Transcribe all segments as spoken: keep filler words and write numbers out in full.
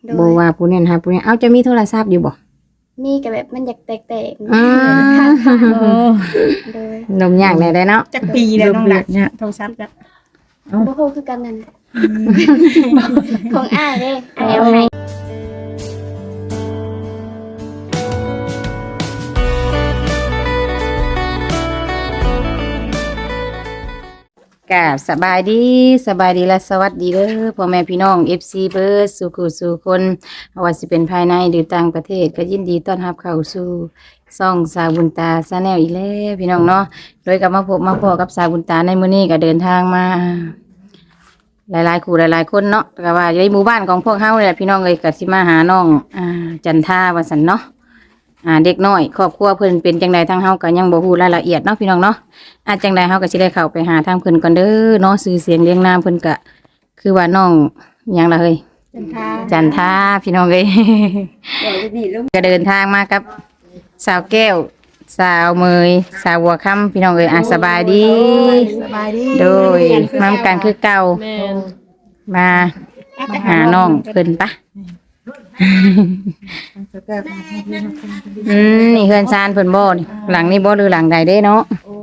บ่ว่าผู้นั้นหาผู้นี้เอ้าจะมีโทรศัพท์อยู่บ่มีก็แบบมันอยากแตกๆอืมโอ้โดยนมยากแน่ได้เนาะจักปีแล้วน้องละเนี่ยโทรศัพท์ละบ่ฮู้คือกันนั่นของอ้ายเด้อ้ายเอาให้กราบสบายดีสบายดีและสวัสดีเด้อพ่อแม่พี่น้อง เอฟ ซี เบิร์ดสู่คู่สู่คนว่าสิเป็นภายในหรือต่างประเทศก็ยินดีต้อนรับเข้าสู่ซ่องสาวบุญตาชาแนลอีกแล้วพี่น้องเนาะโดยกับมาพบมาพอกับสาวบุญตาในมื้อนี้ก็เดินทางมา หลายๆคู่หลายๆคนเนาะก็ว่าในหมู่บ้านของพวกเฮานี่แหละพี่น้องเอ้ยก็สิมาหาน้องอ่าจันทาว่าซั่นเนาะอ่าเด็กน้อยครอบครัวเพิ่นเป็นจังไดทั้งเฮาก็ยังบ่ฮู้รายละเอียดเนาะพี่น้องเนาะอาจจังไดเฮาก็สิได้เข้าไปหาทางเพิ่นก่อนเด้อเนาะชื่อเสียงเรียงนามเพิ่นก็คือว่าน้องหยังล่ะเฮ้ยจันทาจันทาพี่น้องเอ้ย ก็เดินทางมากับสาวแก้วสาวเมยสาวบัวค่ำพี่น้องเอ้ยอ่ะสบายดีสบายดีโดยมามกันคือเก่ามาหาน้องเพิ่นปะอืมนี่เฮือนซานเพิ่นบ่นี่หลังนี้บ่หรือหลังใดเด้เนาะ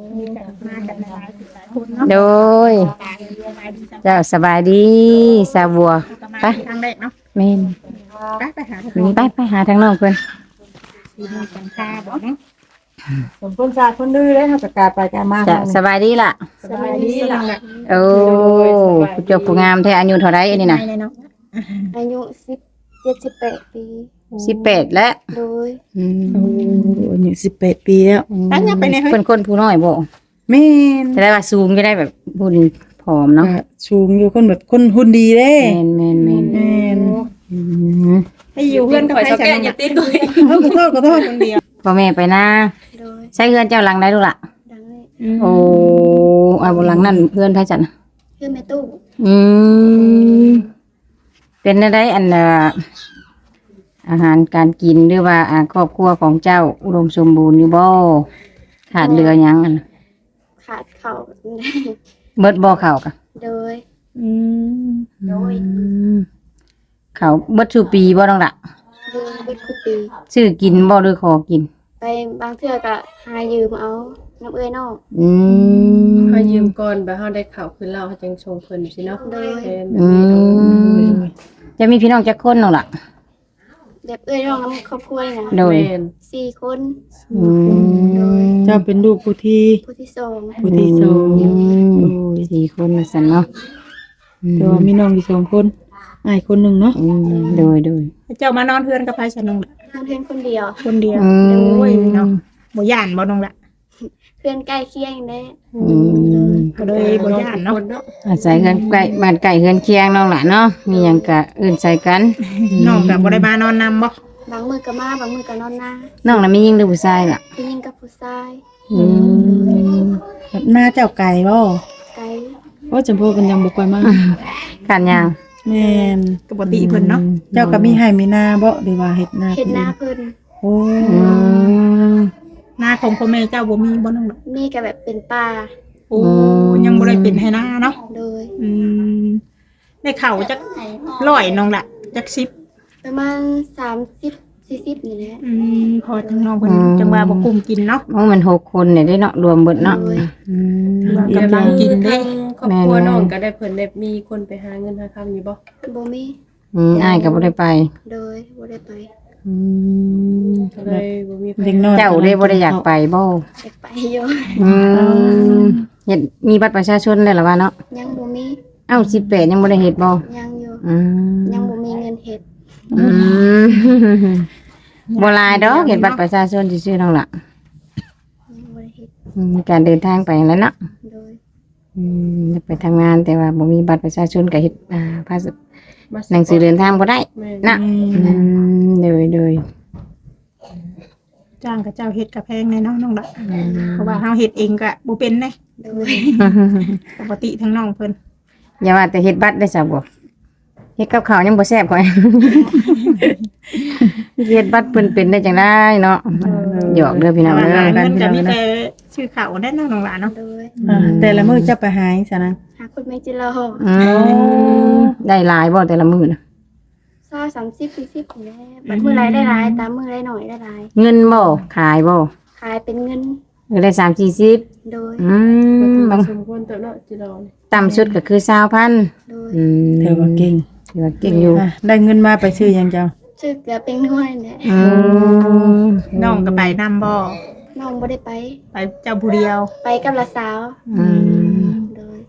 โดยเจ้าสบายดีสาวบัวไปทางแรกเนาะแม่นไปไปหาไปไปหาทางน้องเพิ่นจันทาบ่เนาะสมคนชาคนดื้อเลยค่ะประกาศไปการมาจะสบายดีล่ะสบายดีล่ะโอ้ผู้เจบผู้งามแท้อายุเท่าไรอันนี้น่ะเนาะอายุสิบเจ็ด สิบแปดปีสิบแปดแล้วโดยอืมโอ้อายุสิบแปดปีแล้วตั้งยับไปในเฮ้ยเพิ่นคนผู้น้อยบ่แม่นจะได้ว่าสูงจะได้แบบหุ่นผอมเนาะก็สูงอยู่คนแบบคนหุ่นดีเด้แม่นแม่นแม่นแม่นอืมให้อยู่เพื่อนกับใครฉันอย่าติดเลยเอ้าขอโทษขอโทษคนเดียวพ่อแม่ไปนะโดยใช้เฮือนเจ้าหลังได้ลูกล่ะดังเลยโอ้เอาบ่หลังนั่นเพื่อนไผจัดน่ะคือแม่ตู้อืมเป็นได้อันน่ะอาหารการกินหรือว่าอ่าครอบครัวของเจ้าอุดมสมบูรณ์อยู่บ่ขาดเหลือหยังอันขาดเข่าเบิดบ่เข้าวกะโดยอืมโดยอืมเขาเบิดชูปีบ่ต้องละโดยเบิดคุปีซื้อกินบ่หรือขอกินไปบางเทื่อก็หายืมเอาน้ำเอ้ยนอกอืมเฮายืมก่อนแบบเฮาได้ข่าวคืนเราเฮาจังชงเพิ่นสิเนาะโดยแม่นอืมจะมีพี่น้องจักคนน้องล่ะแบบเอ้ยน้องน้ำครอบครัวนี่นะโดยแม่นสี่คนอืมเจ้าเป็นลูกผู้ที่ผู้ที่สองผู้ที่สองอืมสี่คนสั่นเนาะอืมแต่ว่ามีน้องอยู่สองคนอ้ายคนหนึ่งเนาะอืมโดยโดยเจ้ามานอนเพื่อนกับใครฉันน้องละเพื่อนคนเดียวคนเดียวอืมโอ้ยเนาะบ่ย่านบ่น้องละเพื่อนใกล้เคียงแน่อืมก็เลยบ่ย่านเนาะคนเนาะอาศัยกันใกล้บ้านใกล้เฮือนเคียงน้องล่ะเนาะมีหยังกะอื่นใส่กันน้องก็บ่ได้มานอนนำบ่บางมือก็มาบางมือก็นอนหน้าน้องน่ะมียิงหรือผู้ชายล่ะผู้หญิงกับผู้ชายอืมแบบหน้าเจ้าไก่บ่ไกลว่าจำพวกกันยังบ่ค่อยมากันยาวแม่นปกติเพิ่นเนาะเจ้าก็มีให้มีหน้าบ่หรือว่าเฮ็ดหน้าเห็นหน้าเพิ่นโอ้อืมหน้าของพ่อแม่เจ้าบ่มีบ่น้องละมีก็แบบเป็นป่าโอ้ยังบ่ได้เป็นให้หน้าเนาะโดยอืมได้เข่าจักร้อยน้องละจักสิบประมาณสามสิบสี่สิบนี่แหละอืมพอจังน้องเพิ่นจังว่าบ่กุมกินเนาะโอ้มันหกคนเนี่ยได้เนาะรวมเบิดเนาะโดยอืมว่ากำลังกินเด้ครอบครัวน้องก็ได้เพิ่นได้มีคนไปหาเงินหาคำอยู่บ่บ่มีอืมอ้ายก็บ่ได้ไปโดยบ่ได้ไปอืมก็เลยบ่มีไผเด็กน้อยเจ้าได้บ่ได้อยากไปบ่อยากไปอยู่อืมเฮ็ดมีบัตรประชาชนแล้วล่ะว่าเนาะยังบ่มีเอ้าสิบแปดยังบ่ได้เฮ็ดบ่ยังอยู่อืมยังบ่มีเงินเฮ็ดอืมบ่หลายดอกเฮ็ดบัตรประชาชนซื่อๆนั่นล่ะยังบ่ได้เฮ็ดอืมการเดินทางไปแล้วเนาะโดยอืมไปทำงานแต่ว่าบ่มีบัตรประชาชนก็เฮ็ดอ่าภาษามาหนังสือเดินทางบ่ได้แม่นนะอืมโดยโดยจ้างกับเจ้าเฮ็ดกับแพงแน่เนาะน้องละเพราะว่าเฮาเฮ็ดเองก็บ่เป็นเด้โดยปกติทั้งน้องเพิ่นอย่าว่าแต่เฮ็ดบัตรได้ซะบ่เฮ็ดกับข้าวยังบ่แซ่บข่อย เฮ็ดบัตรเพิ่นเป็นได้จังได๋เนาะหยอกเด้อพี่น้องแต่เด้ว่าอหาเงินก็มีแต่ชื่อเขาได้เนาะน้องละเนาะโดยอ่าแต่ละมื้อเจ้าไปหาจังซั่นนะหาคนไม่จิรออืมได้หลายบ่แต่ละมื้อน่ะซาสามสิบสี่สิบนี่แหละบัดมื้อไรได้หลายตามมื้อไรหน่อยได้หลายเงินบ่ขายบ่ขายเป็นเงินเออได้สามสี่สิบโดยอืมบางสมควรเติบเนาะจิรอนี่ต่ำสุดก็คือสาวพันโดยอืมเธอว่าเก่งถือว่าเก่งอยู่อ่ะได้เงินมาไปซื้อหยังเจ้าชื่อเกลือเป็นน้อยแหละอืมน้องก็ไปนำบ่น้องบ่ได้ไปไปเจ้าผู้เดียวไปกับละสาวอืมโดย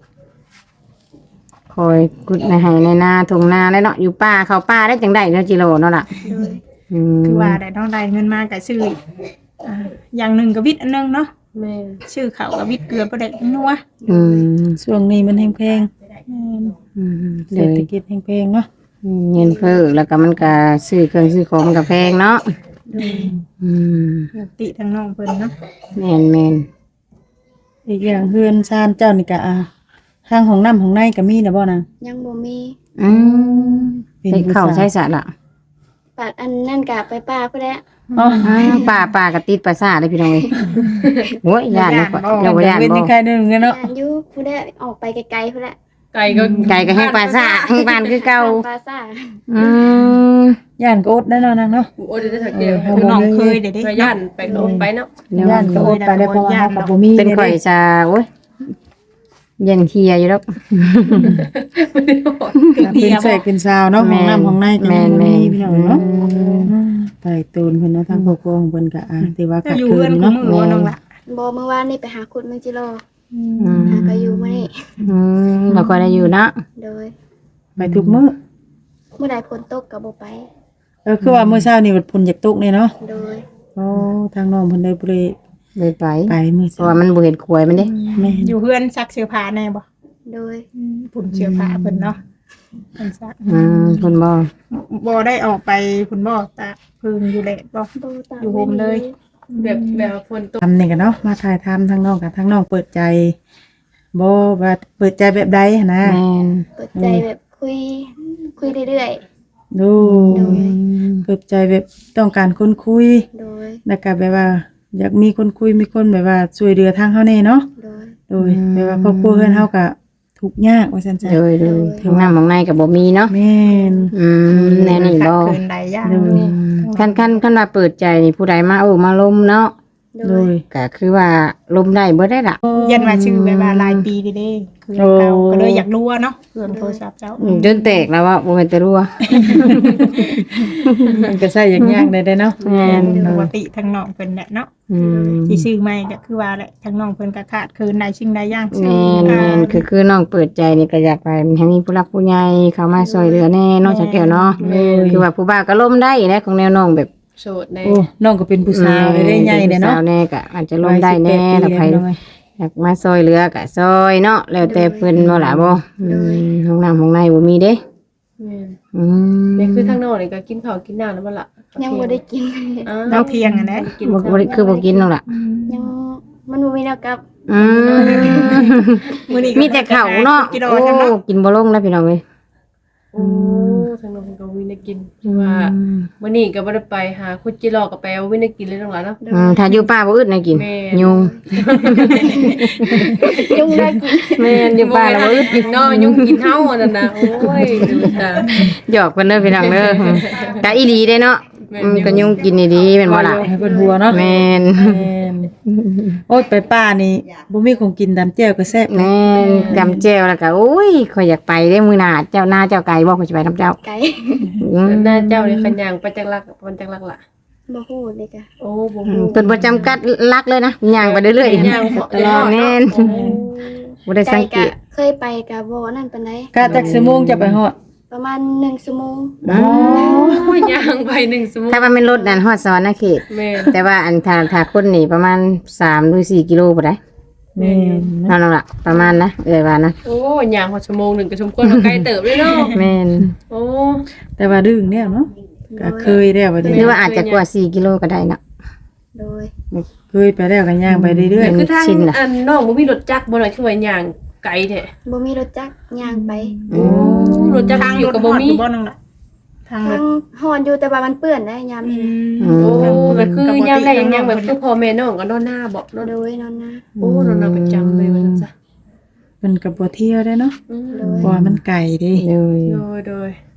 คอยกุดในไห้ในนาทงนาแล้วเนาะอยู่ป่าเขาป่าได้จังได้เนาะจิโร่เนาะล่ะโดยอืมคือว่าได้น้องได้เงินมาก็ซื้ออ่าอย่างหนึงก็วิทย์อันหนึงเนาะแม่ชื่อเขาวกับวิทย์เกลือบ่ได้นัวอืมช่วงนี้มันแพงแม่นอืมๆเลเศรษยฐกิจแพงๆเนาะเงินเฟ้อแล้วก็มันก็ซื้อเครื่องซื้อของมันก็แพงเนาะอืมติทั้งน้องเพิ่นเนาะแม่นแม่นอีกอย่างเฮือนชานเจ้านี่ก็อ่ะทางของน้ำของในก็มีนะบ่นางยังบ่มีอืมเป็นให้ผู้เข้าสาวใช้สะละปัดอันนั่นกะไปป้าพุ่นแหละอ๋ออ้าวป่าป่าก็ติดประสาทเลยพี่น้องเอ้ยโอ้ยย่านนะเราบ่ย่านเป็นบ่ยังไงเด้อเงินเนาะย่านอยู่พุ่นแหละออกไปไกลๆพุ่นแหละไก่ก็ไก่ก็แห้งปลาซ่าแห้งปานคือเก่าปลาซ่าอืมย่านก็อดได้เนาะนางเนาะโอ้ยได้สักเดียวเออคือน้องเคยเด้เด้พย่านไปก็อดไปเนาะย่านก็อดไปได้เพราะว่าเราก็บ่มีเป็นข่อยจะโอ้ยเย็นเฮียอยู่แล้วเป็นเสกเป็นซาวเนาะของน้ำของในก็ยังบ่มีพี่น้องเนาะไต่ตูนเพิ่นเนาะทางครอบครัวของเพิ่นก็อ่ะถือว่าจะขาดอยู่เคิเพื่อนนคู่เนาะมือว่าน้องละบ่เมื่อวานนี่ไปหาขุดเมืองจิโร่อืมหาก็อยู่มื้อนี้อืมเราก็ได้อยู่เนาะโดยไปทุกมื้อเมื่อใดฝนตกก็บ่ไปเออคือว่ามื้อเช้านี่ฝนอยากตกนี่เนาะโดยโอ้ทางน้องเพิ่นได้บ่ได้เลยไปไปมื้อเพเช้าราะว่ามันบ่เห็นขวยมันเด้แม่อยู่เพื่อนซักเสื้อผ้าแน่บ่โดยผุนเสื้อผ้าเพิ่นเนาะเพิ่นซักอืมคนบ่บ่ได้ออกไปผุนบ่ตากพึ่งอยู่แหละบ่บ่ตามอยู่โฮมเลยแบบแบบว่าฝนตกทำนี่กันเนาะมาถ่ายทำทางน้องกับทางน้องเปิดใจบ่ว่าเปิดใจแบบใดหั้นนะแม่นเปิดใจแบบคุย คุยเรื่อยดูโดยเปิดใจแบบต้องการคนคุยๆ โดยแล้วก็แบบว่า อยากมีคนคุยมีคนแบบว่าช่วยเหลือทางเฮาแน่เนาะโดยโดยแบบว่าครอบครัวเฮือนเฮาก็ทุกข์ยากว่าซั่นจ้ะโดยโดยทางน้ำของในก็บ่มีเนาะแม่นอืมแน่นี่บ่เกินใดอย่างโดยอืมคันคันคันว่าเปิดใจนี่ผู้ใดมาโอ้มาลมเนาะโดโดยยก็คือว่าลมได้บ่ได้ล่ะยันว่าชื่อแบบว่าหลายปีเด้ๆคือเก่าก็เลยอยากรู้ว่าเนาะเรื่องโทรศัพท์เจ้าอืมจนแตกแล้วว่าบ่แม่นแต่รั่วมันก็ใช้ยากๆได้เนาะแม่นปกติทางน้องเพิ่นแหละเนาะอืมที่ชื่อใหม่ก็คือว่าแหละทางน้องเพิ่นก็ขาดคืนใดชิงใดอย่างแม่นแม่นคือคือน้องเปิดใจนี่ก็อยากไปให้มีผู้รักผู้ใหญ่เข้ามาช่วยเหลือแน่เนาะจักแก้วเนาะคือว่าผู้บ่าวก็ล้มได้นะของแนวน้องแบบโสดในโอ้น้องก็เป็นผู้สาวได้ได้ใหญ่เด้เนาะสาวแน่ก็อาจจะล้มได้แน่ถ้าใครอยากมาซอยเหลือก็ซอยเนาะแล้วแต่เพิ่นบ่ล่ะบ่อืมห้องน้ำห้องในบ่มีเด้แม่นอืมนี่คือทางนอกนี่ก็กินข้าวกินน้ำแล้วบ่ล่ะยังบ่ได้กินอ้าเราเที่ยงอ่ะนะกินบ่บ่ได้คือบ่กินนั่นล่ะยังมันบ่มีแนวกลับอืมมื้อนี้ก็มีแต่ข้าวเนาะกิโลโอ้จังเนาะกินบ่ลงแล้วพี่น้องเอ้ยโอ้ทางนอกเพิ่นก็วินได้กินคือว่ามื้อนี้ก็บ่ได้ไปหาคุดจิรอก็ไปเอาวินได้กินเลยทั้งหลายเนาะอืมถ้าอยู่ป่าบ่อึดนะกินแม่ยุงยุ่งได้กินแม่นอยู่ป่าแล้วบ่อึดกินเนาะยุ่งกินเฮาอันนั้นน่ะโอ้ยดูตาหยอกเพิ่นเด้อพี่น้องเด้อแต่อีหลีเด้เนาะแม่นอืมก็ยุงกินดีๆแม่นบ่ล่ะให้เพิ่นหัวเนาะแม่นแม่นโอ้ยไปป่านี่บ่มีของกินตามแจ่วก็แซ่บแม่นกำแจ่วแล้วก็โอ้ยข่อยอยากไปเด้มื้อหน้าเจ้าหน้าเจ้าไก่บ่ข่อยสิไปนํเจ้าไก่อืมหน้าเจ้านี่คันย่างไปจักลักไปจักลักล่ะบ่ฮู้เลยกะโอ้บ่อืฮู้มเพิ่นบ่จำกัดลักเลยนะย่างไปเรื่อยย่างๆตลอดแม่นโอ้บ่ได้สังเกไก่ตกะเคยไปกะบ่นั่นปานใดกะจักชั่วโมงจะไปฮอดประมาณหนึ่งชั่วโมงอ๋อโอ้ยย่างไปหนึ่งชั่วโมงถ้าว่าแม่นรถนั่นฮอดสวรรณเขตแม่นแต่ว่าอันถ้าถ้าคนนี่ประมาณสามหรือสี่กิโลบ่ได้แม่นนั่นล่ะประมาณนะเอ้ยว่านะโอ้ยย่างพอชั่วโมงหนึงก็สมควรเอาไกลเติบเลยเนาะแม่นโอ้แต่ว่าดึงแล้วเนาะก็เคยแล้วว่าหนี้รือว่าอาจจะกว่าสี่กิโลก็ได้เนาะโดยเคยไปแล้วก็ย่างไปเรื่อยคือทางชินล่ะอันน้องบ่มีรถจักรบ่น่ะคือว่าย่างไกลแท้บ่มีรถจักรย่างไปโอ้รถจักรทางอยู่กับบ่มีรถฮอดบ่น้องล่ะทางรทาถงหอนอยู่แต่ว่ามันเปื้อนได้ยามนี้นะอืมโอ้ก็คือยามแรกยังยังแบบคือพ่อแม่น้องก็นอนหน้าบ่เนาะโดยนอนนะโอ้นอนหน้าประจำเลยว่าซั่นจ้ะๆมันก็บ่เที่ยวได้เนาะอืมโดเพยราะว่ามันไกลเด้เลยโดยโดย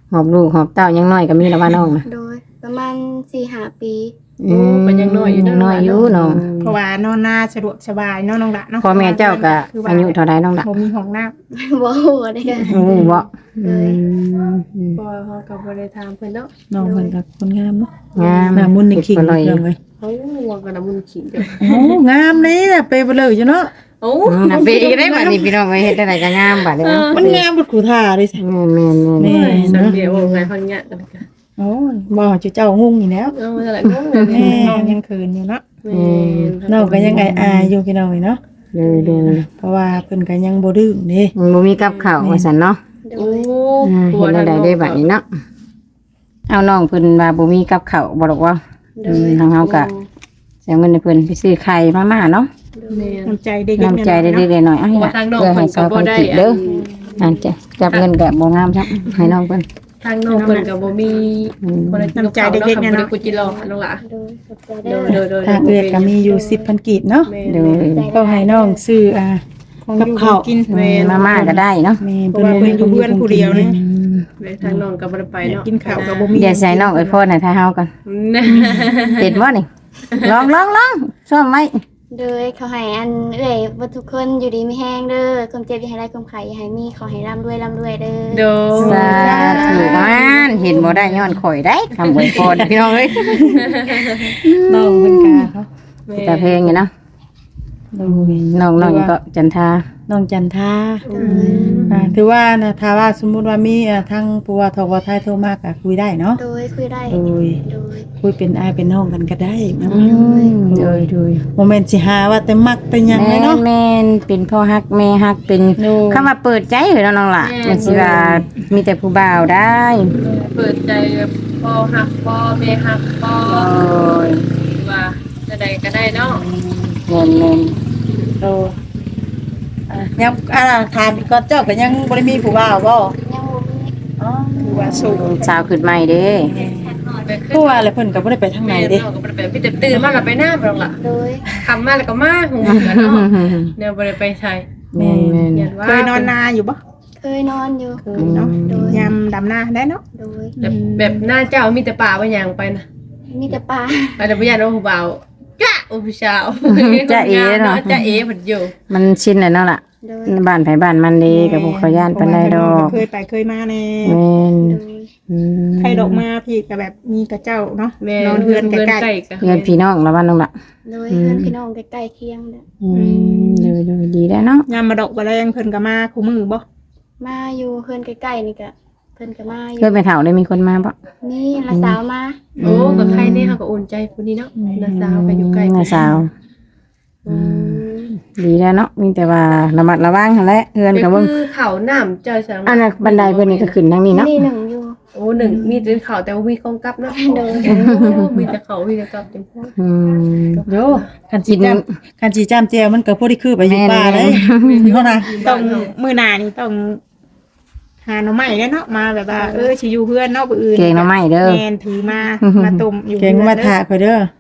หอบลูกหอบเต้ายังน้อยก็มีแล้วว่าน้องน่ะโดยประมาณสี่ห้าปีโอ้ก็ยังน้อยอยู่เด้อน้อยอยู่น้องเพราะว่านอนหน้าสะดวกสบายเนาะน้องละเนาะพ่อแม่เจ้าก็คือว่าอายุเท่าใดน้องล่ะบ่มีห้องน้ำบ่ฮู้ได้กันโอ้บ่อืมบ่เฮาก็บ่ได้ถามเพิ่นเนาะน้องเพิ่นก็คนงามเนาะงามหน้ามุนนี่ขิงอร่อยเรื่องเลยเฮาว่ากันน่ะมุนขิงเด้อโอ้งามเลยน่ะไปบ่เลยอยู่เนาะโอ้อืมน่ะปีได้บัดนี้พี่น้องเอ้ยเฮ็ดได้ก็งามบัดนี้เนาะมันงามบ่กูท่าเลยสิแม่นแม่นแม่นแม่สังเกตว่าไงเฮาเนี่ยกันก็โอ้ยบ่เจ้างงนี่แล้วเออมันอะไรงงเลยแม่น้องยังเขินอยู่เนาะแม่น้องก็ยังไงอายอยู่พี่น้องนี่เนาะเลยดูเพราะว่าเพิ่นก็ยังบ่ดื้อนี่มันบ่มีกับข้าวว่าซั่นเนาะโดโอ้ยอ่าเฮ็ดได้ได้บัดนี้เนาะเอาน้องเพิ่นว่าบ่มีกับข้าวบ่ดอกว่าโดอืมยทางเฮาก็เสียเงินให้เพิ่นไปซื้อไข่มาม่าเนาะแม่น้ำใจเด็กๆน้ำใจได้เนาะเล็กๆหน่อยๆเอาให้ว่าล่ะทางน้องเพื่อเพิ่ให้นก็สาวบ่คนได้ผิดเด้ออันจะจับเงินแบบบ่งามครับให้น้องเพิ่นทางน้องเพิ่นก็บ่มีอืมคนละกินกับข้าวเนาะค่ะบ่ได้กูจิรอน้องหล่ะโดยขอบใจโดเด้อยโดยโดยทางเอื้อยก็มีอยู่สิบพันกีบเนาะแม่โดยก็ให้น้องซื้ออ่าของกับอยู่ข้าวกินแม่มาม่าก็ได้เนาะแม่เพราะว่าเพิ่นอยู่เพื่อนผู้เดียวนี่แม่ทางน้องก็บ่ได้ไปเนาะกินข้าวก็บ่มีเดี๋ยวใส่น้องไอ้พ่อน่ะถ้าเฮาก่อนนะเห็นบ่นี่ลองลองลองซ่อมไว้โดยเขาให้อันเอ้ยบ่ทุกคนอยู่ดีมีแห้งเด้อความเจ็บอย่าให้ได้ความไข้อย่าให้มีขอให้ร่ำรวยร่ำรวยเด้อโดสาธุมันเห็นบ่ได้ย้อนข่อยได้คำอวยพรพี่น้องเอ้ยน้องเพิ่นก็เนาะแต่เพลงอยู่เนาะโดยน้องน้องก็จันทาน้องจันทาโดยอ่าถือว่านะถ้าว่าสมมุติว่ามีอ่าทางปัวทวไทยโทรมาก็คุยได้เนาะโดยคุยได้โดยโดยคุยเป็นอายเป็นน้องกันก็ได้เนาะโดยโดยบ่แม่นสิหาว่าแต่มักแต่หยังเลยแม่เนาะนแม่นเป็นพ่อฮักแม่ฮักเป็นโดยคำว่าเปิดใจเหรอน้องล่ะมันสิว่ามีแต่ผู้บ่าวได้เปิดใจพ่อฮักพ่อแม่ฮักพ่อโอ้ยว่าจะได้ก็ได้เนาะแม่นแม่นโดยอ่ะยังอ่าถามอีกก่อนเจ้าก็ยังบ่ได้มีผู้บ่าวบ่ยังบ่มีอ๋อคือว่าสูงสาวขึ้นใหม่เด้ผู้ว่าแล้วเพิ่นก็บ่ได้ไปทางไหนเด้แม่ก็บ่ได้ไปพี่แต่ตื่นมาแล้วไปหน้าบ่ล่ะโดยคำมาแล้วก็มาหูกันเนาะแนวบ่ได้ไปใช้แม่นแม่นยันว่าเคยนอนนาอยู่บ่เคยนอนอยู่เคยเนาะโดยยามดำนาได้เนาะโดยแบบแบบหน้าเจ้ามีแต่ป่าบ่ย่างไปนะมีแต่ปลาอาจจะบ่ย่านว่าผู้บ่าวจ้าโอ้ผู้สาวจ้าเอ๋เนาะจ้าเอ๋เพิ่นอยู่มันชินแล้วเนาะล่ะโดยบ้านไผบ้านมันเด้กับพวกเขาย่านปานใดดอกเคยไปเคยมาแน่แม่นโดยอืมใครดอกมาพี่ก็แบบมีกระเจ้าเนาะแม่นอนเฮือนใกล้ใกล้กันเพื่อนพี่น้องละบ้านน้องล่ะโดยเพื่อนพี่น้องใกล้ๆเคียงเด้ออืมดูดูดีแล้วเนาะๆยามมาดอกบ่แรงเพิ่นก็มาคู่มือบ่มาอยู่เพื่อนใกล้ๆนี่ก็เพื่อนก็มาอยู่เพื่อนไปเฒ่าได้มีคนมาบ่นี่ละสาวมาโอ้กับใครเนี่ยเขาก็อุ่นใจผู้นี้เนาะน้าสาวก็อยู่ใกล้น้าสาวอืมดีแล้วเนาะมีแต่ว่าระมัดระวังหั่นแหละเพื่อนก็ก็เบิ่งคือเขาน้ำเจ้าสังอันนั้นบันไดเพิ่นนี่ก็ขึ้นทางนี้เนาะนี่หนึ่งอยู่โอ้หนึ่งมีแต่เขาแต่ว่ามีกองกับเนาะโดยโอ้มีแต่เขามีแต่กับเต็มพวกอืมโยคันสิจ้ำคันสิจ้ำแจวมันก็พอได้คือไปอยู่ป่าเลยเท่านั้นต้องมื้อหน้านี่ต้องหาหน่อไม้แล้วเนาะมาแบบว่าเออสิอยู่เพื่อนเนาะผู้อื่นเก่งเนาะไม่เด้อแม่นถือมามาต้มอยู่เก่งมาถาข่อยเด้อ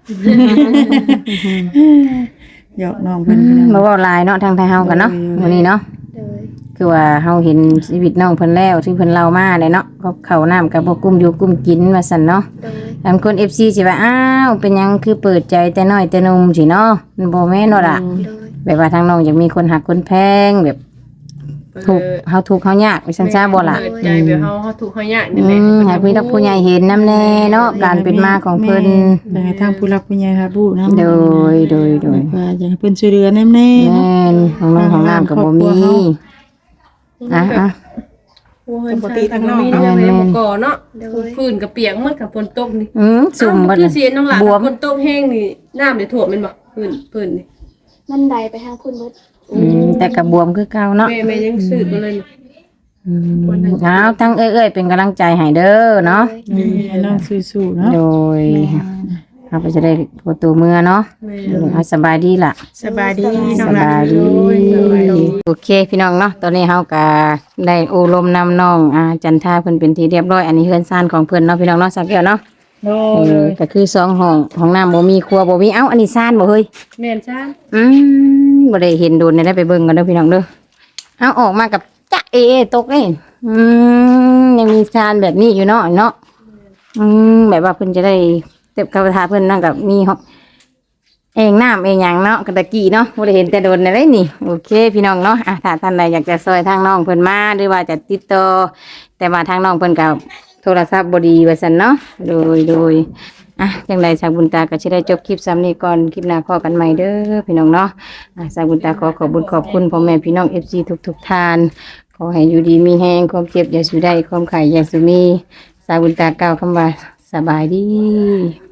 หยอกน้องเพิ่นบ่เว้าหลายเนาะทางไทยเฮากันเนาะวันนี้เนาะโดยคือว่าเฮาเห็นชีวิตน้องเพิ่นแล้วที่เพิ่นเล่ามาเลยเนาะก็ข้าวน้ำกับบ่กุ้มอยู่กุ้มกินว่าซั่นเนาะโดยบางคน เอฟ ซี สิว่าอ้าวเป็นหยังคือเปิดใจแต่น้อยแต่หนุ่มสิเนาะมันบ่แม่นเนาะล่ะโดยแบบว่าทางน้องอยากมีคนหักคนแพงแบบถูกเฮาถูกเฮายากว่าซั่นซะบ่ล่ะเปิดใจแบบเฮาเฮาถูกเฮายากอืนี่แหละมให้พี่นักผู้ใหญ่เห็นนำแน่เนาะการเป็นมาของเพิ่นอยากให้ทางผู้รักผู้ใหญ่ครับผู้นำโดยโดยโดยว่าอยากให้เพิ่นช่วยเหลือแน่ๆแม่เนาะนของน้องของน้ำก็บ่มีอ่ะอ่ะปกติทางนอกเนาะแม่นๆแม่บ่ก่อเนาะโดยพื้นกับเปียกหมดกับฝนตกนี่อืมสุ่มบ่บัดคือเสียน้องหลานบวมฝนตกแห้งนี่น้ำได้ท่วมแม่นบ่พื้นพื้นนี่มันใดไปทางคุณเบิดอืมแต่ก็บวมคือเก่าเนาะแม่แม่ยังสืบมาเลยนี่อืมเอาทั้งเอ้ยๆเป็นกำลังใจให้เด้อเนาะโดยให้น้องสู้ๆเนาะโดยเราไปจะได้โทรตัวเมื่อเนาะแม่เอาสบายดีล่ะสบายดีน้สองหลาบายนดีโอเคพี่น้องเนาะตอนนี้เฮาก็ได้โอลมนำน้องอ่าจันทาเพิ่นเป็นที่เรียบร้อยอันนี้เฮือนซ่านของเพิ่นเนาะพี่น้องเนาะสักแก้วเนาะโดเอย อก็คือสองห้องห้องน้ำบ่มีครัวบ่มีเอ้าอันนี้ซ่านบ่เฮ้ยแม่นจ้าอืมบ่ได้เห็นโดนได้ไปเบิ่งกันเด้อพี่น้องเด้อเอาออกมากับจ๊ะเอตกเอ้อืมยังมีชานแบบนี้อยู่เนาะเนาะอืมแบบว่าเพิ่นจะได้เต็บกระทาเพิ่นนั่งกับมีห้องเองน้ำเองหยังเนาะกระตะกี้เนาะบ่ได้เห็นแต่โดนอะไรนี่โอเคพี่น้องเนาะอ่ะถ้าท่านใดอยากจะซอยทางน้องเพิ่นมาหรือว่าจะติดต่อแต่ว่าทางน้องเพิ่นก็โทรศัพท์บ่ดีว่าซั่นเนาะโดยโดยอ่ะจังไดชาวบุญตาก็สิได้จบคลิปซ้ำนี้ก่อนคลิปหน้าพอกันใหม่เด้อพี่น้องเนาะอ่ะชาวบุญตาขอขอบคุญขอบคุณพ่อแม่พี่น้อง เอฟ ซี ทุกๆท่านขอให้อยู่ดีมีแฮงความเจ็บอย่าสู่ได้ความไข้อย่าสู่มีชาวบุญตากล่าวคำว่าสบายดี